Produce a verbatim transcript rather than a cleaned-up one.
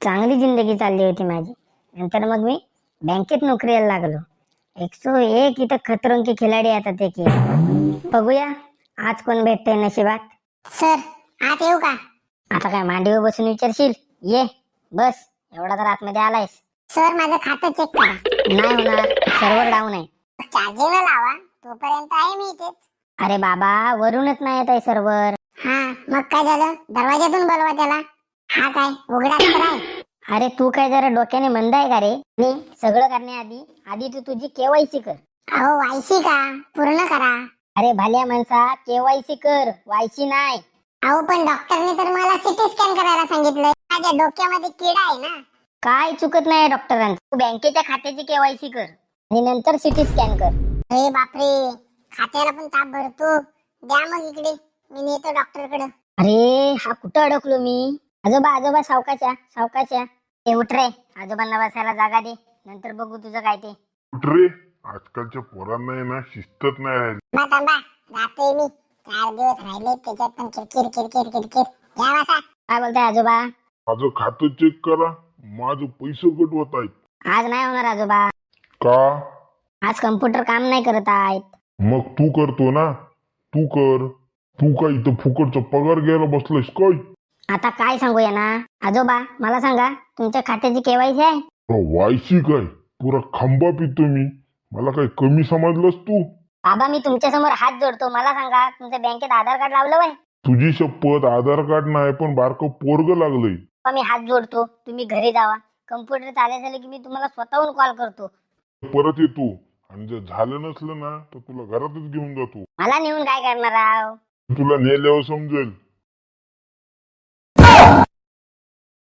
चांगली जिंदगी चालली होती माझी. नंतर मग मी बँकेत नोकरीला लागलो. एकसो एक इथं खतरों के खिलाडी येतात एक एक. बघूया आज कोण भेटतंय नशिबात. सर आत येऊ का? आता काय मांडीवर बसून विचारशील? ये बस. एवढा तर आतमध्ये आलायस. सर माझं खातं चेक करा. नाही होणार, सर्व्हर डाऊन आहे. चार्जिंगला लावा, तोपर्यंत आहे मी इथेच. अरे बाबा, वरूनच नाही येत आहे सर्व्हर. हा मग काय झालं? दरवाजातून बोलवा त्याला. हा काय उघडा तर आहे? अरे तू काय जरा डोक्याने मंद आहे का रे? मी सगळं करण्याआधी आधी तू तुझी केवायसी कर. अहो वायसी का? पूर्ण करा. अरे भाल्या माणसा, केवायसी कर, वायसी नाही. अहो पण डॉक्टरने तर मला सिटी स्कॅन करायला सांगितलंय. माझ्या डोक्यामध्ये किडा आहे ना. काय चुकत नाही डॉक्टरांचं. तू बँकेच्या खात्याची केवायसी कर आणि नंतर सिटी स्कॅन कर. अरे बापरे, खात्याला पण ताप भरतो. द्या मग इकडे, मी नेतो डॉक्टरकडे. अरे हा कुठं अडकलो मी? आजोबा आजोबा सावकाच्या सावकाच्या. ते उठ रे, आजोबांना बसायला जागा दे, नंतर बघू तुझं काय ते. उठ रे, आजकालच्या पोरांना आहे ना शिस्तच नाही राहिली. थांबा थांबा, जातोय मी. चार दिवस राहिले त्याच्यात पण किरकिर किरकिर किरकिर. या बसा. काय बोलताय आजोबा? माझं खातं चेक करा, माझं पैसे कट होत आहेत. आज नाही होणार आजोबा. का? आज कम्प्युटर काम नाही करत आहेत. मग तू करतो ना, तू कर. तू काय इथं फुकटचा पगार घ्यायला बसलायस काय? आता काय सांगू या ना आजोबा, मला सांगा तुमच्या खात्याची केवायसी आहे? वायसी काय? पुरा खांबा पितो मी. मला काय कमी समजलंस तू? बाबा मी तुमच्या समोर हात जोडतो, मला सांगा तुमच्या बँकेत आधार कार्ड लावलं वय? तुझी शपथ, आधार कार्ड नाही पण बारकं पोरग लागलंय. मी हात जोडतो, तुम्ही घरी जावा. कम्प्युटर चालू झालं की मी तुम्हाला स्वतःहून कॉल करतो. परत येतो आणि जर झालं नसलं ना तर तुला घरातच घेऊन जातो. मला नेऊन काय करणार आहो? तुला नेल्यावर समजेल.